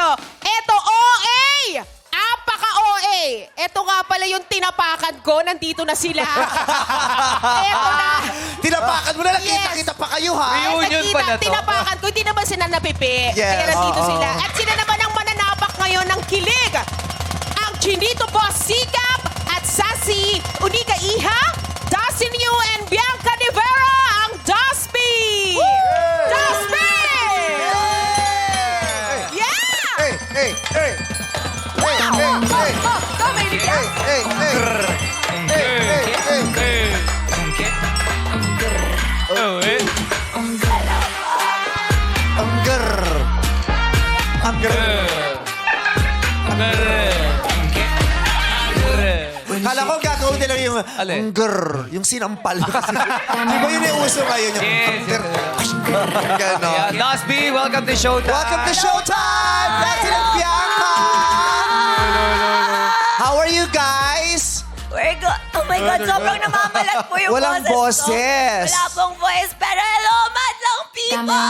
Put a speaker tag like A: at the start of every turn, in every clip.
A: Eto, OA! Apaka-OA! Eto nga pala yung tinapakan ko. Nandito na sila. Eto na.
B: Tinapakan mo na,
A: Yes.
B: nakita-kita pa kayo, ha?
C: Reunion pa na to.
A: Tinapakan ko. Hindi naman sila napipi.
B: Yes.
A: Kaya nandito
B: Oo.
A: sila. At sila naman ang mananapak ngayon ng kilig. Ang Chinito Boss Sikap at Sassy Unica Iha, Dustin Yu and Bianca De Vera, ang Dusby! Dusby! Yeah!
B: Hey, hey, hey! Hey, hey, hey!
A: Go, baby!
B: Hey, hey, hey! Hey, hey, hey! Ang grrr! Ang grrr! Kala ko gagawin nila yung
C: Alin?
B: ang grrr, yung sinampal. Di ba yun yung uso ngayon? Yung
C: Yes,
B: ang grrr. Ganon.
C: Yeah, Dusby, welcome to Showtime.
B: Welcome to Showtime! President Bianca! How are you guys?
D: Oh my God, sobrang namamalat po yung
B: Walang
D: boses ko.
B: boses.
D: Wala pong voice, pero hello, madlang people!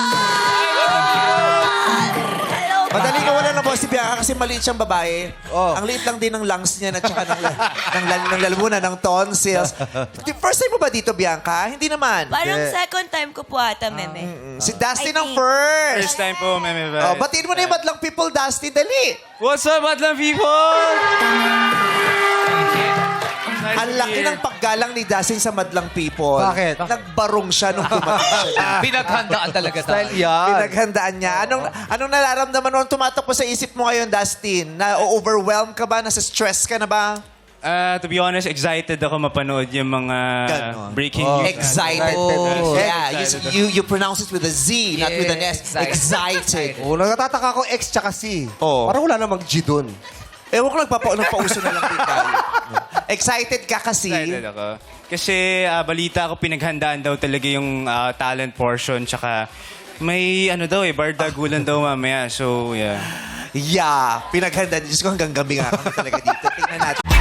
D: Hello,
B: Madali ka wala na boss si Bianca kasi maliit siyang babae. Ang liit lang din ng lungs niya at saka ng lalamunan, ng tonsils. First time mo ba dito, Bianca? Hindi naman.
D: Parang second time ko po ata, meme.
B: Si Dustin
D: I
B: ang
D: think.
B: first.
E: First time po, Meme
B: Oh,
E: Vibe.
B: batiin mo na yung madlang people, Dustin. Dali.
E: What's up, Madlang people?
B: Ang laki ng paggalang ni Dustin sa madlang people.
F: Bakit?
B: Nagbarong siya nung dumating siya.
C: Pinaghandaan talaga tayo.
B: Pinaghandaan niya. Anong nararamdaman mo? Anong tumatakbo sa isip mo ngayon, Dustin? Na-overwhelm ka ba? Nasa stress ka na ba?
E: To be honest, excited ako mapanood yung mga
B: Ganon.
E: breaking news.
B: Excited.
F: Oh.
B: Yeah,
E: Excited.
B: you pronounce it with a Z, not with an S.
C: Excited.
B: Excited.
F: Oh, nagtataka ko X tsaka C.
B: Oo.
F: Parang wala namang G dun.
B: Ewan ko nagpauso na lang din tayo. Excited ka kasi.
E: Excited ako. Kasi balita ako pinaghandaan daw talaga yung talent portion. Tsaka may bardagulan daw mamaya. So, yeah.
B: Yeah, pinaghandaan. Diyos ko hanggang gabi nga kami talaga dito. Tingnan natin.